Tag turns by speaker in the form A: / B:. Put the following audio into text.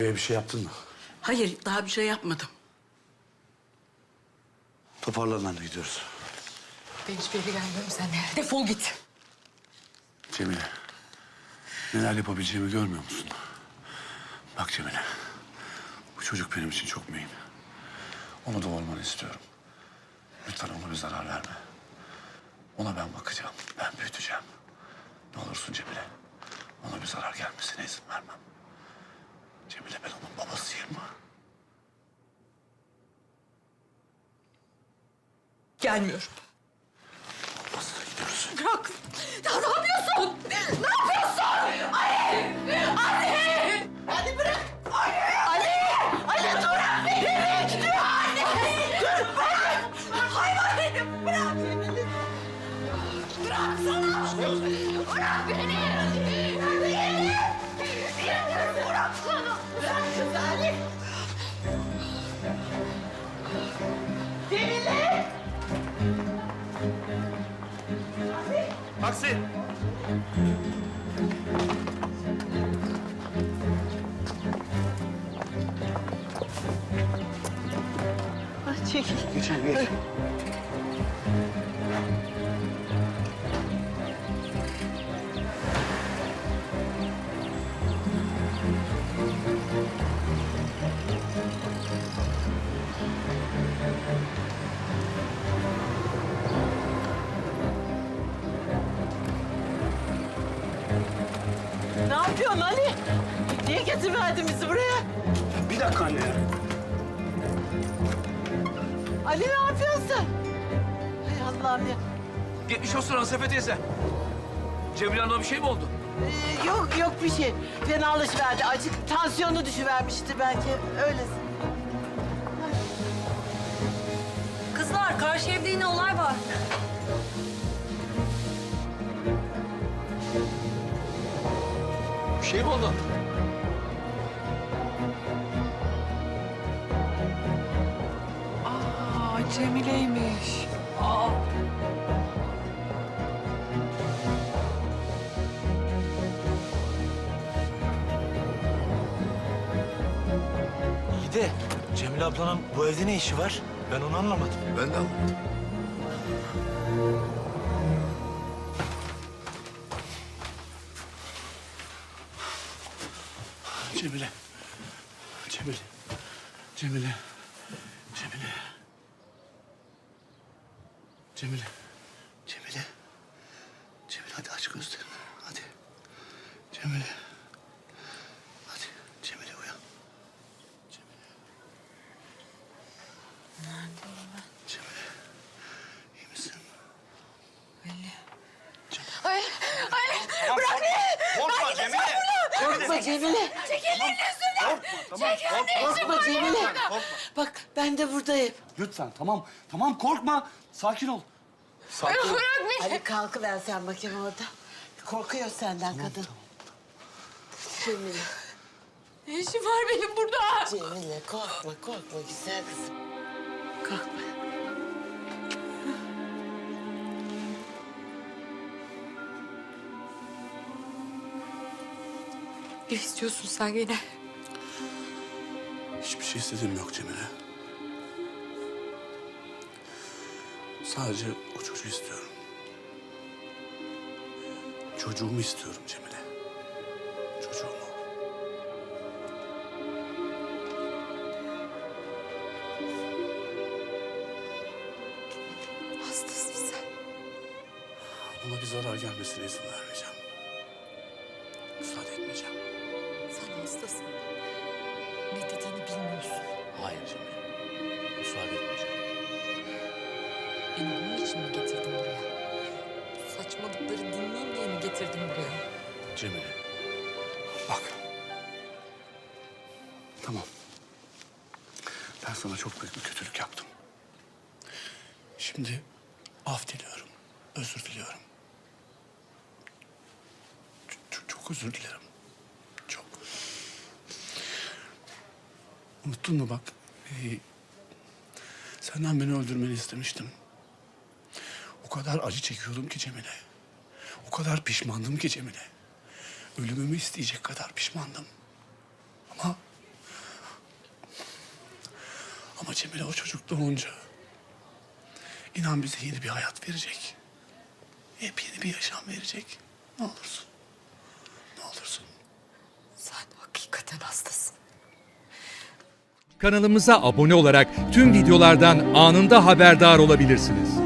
A: Cemile'ye bir şey yaptın mı?
B: Hayır, daha bir şey yapmadım.
A: Toparlan anne, gidiyoruz.
C: Ben hiçbir yere gelmiyorum seninle. Defol git.
A: Cemile, neler yapabileceğimi görmüyor musun? Bak Cemile, bu çocuk benim için çok mühim. Onu doğurmanı istiyorum. Lütfen ona bir zarar verme. Ona ben bakacağım, ben büyüteceğim. Ne olursun Cemile, ona bir zarar gelmesine izin vermem. Cemile, ben onun babasıyım.
C: Gelmiyorum.
A: Olmaz, gidiyoruz.
C: Bırak. Ya ne yapıyorsun? Ne yapıyorsun? Ali! Ali! Ali bırak! Ali! Ali! Ali dur! Beni! Dur! Ali! Dur! Bırak! Hayvan benim! Bırak beni! Bıraksana! Bırak beni! Beni! Bıraksana! Bırak kız Ali! Cemile!
D: Taksi!
B: Çekil.
A: Geçelim, geç.
B: Ne yapıyorsun Ali? Niye getirverdin bizi buraya?
A: Bir dakika anne ya.
B: Ali ne yapıyorsun sen? Hay Allah'ım ya.
D: Geçmiş olsun Asefe teyze. Cemile Hanım'a bir şey mi oldu?
B: Yok bir şey. Fenalaşıverdi. Acık tansiyonu düşüvermişti belki. Öylesin.
C: Kızlar, karşı evde yine olay var.
D: Bir şey mi oldu?
C: Cemile'ymiş.
E: İyi de Cemile ablanın bu evde ne işi var? Ben onu anlamadım.
A: Ben de anlamadım. Cemile. Cemile. Cemile. Cemile. Cemile. Cemile. Cemile, hadi aç gözlerini. Hadi. Cemile. Hadi. Cemile uyan. Cemile.
C: Neredeyim ben?
A: Cemile. İyi misin?
C: Ay, bırak beni!
D: Korkma Cemile!
B: Korkma Cemile.
C: Çek ellerini üstümden! Çek ellerini
B: Korkma Cemile. Bak ben de buradayım.
A: Lütfen, tamam. Tamam, korkma. Sakin ol. Sakin ol.
C: Bırak beni!
B: Ali kalkıver sen bakayım orada. Korkuyor senden kadın. Cemile.
C: Ne işim var benim burada?
B: Cemile korkma güzel kızım. Korkma.
C: Ne istiyorsun sen yine?
A: Hiçbir şey istediğim yok Cemile. Sadece o çocuğu istiyorum. Çocuğumu istiyorum Cemile. Çocuğumu.
C: Hastasın sen.
A: Ona bir zarar gelmesine izin vermeyeceğim. Müsaade etmeyeceğim.
C: Sen hastasın. Ne dediğini bilmiyorsun.
A: Hayır Cemile. Müsaade etmeyeceğim.
C: Beni bunun için mi getirdin buraya? Bu saçmalıkları dinleyeyim diye mi getirdin buraya?
A: Cemile. Bak. Tamam. Ben sana çok büyük bir kötülük yaptım. Şimdi af diliyorum. Özür diliyorum. Çok özür dilerim. Çok. Unuttun mu bak? Senden beni öldürmeni istemiştim. O kadar acı çekiyordum ki Cemile. O kadar pişmandım ki Cemile. Ölümümü isteyecek kadar pişmandım. Ama Cemile o çocuk doğunca inan bize yeni bir hayat verecek. Yepyeni bir yaşam verecek. Ne olursun. Ne olursun.
C: Sen hakikaten hastasın.
F: Kanalımıza abone olarak tüm videolardan anında haberdar olabilirsiniz.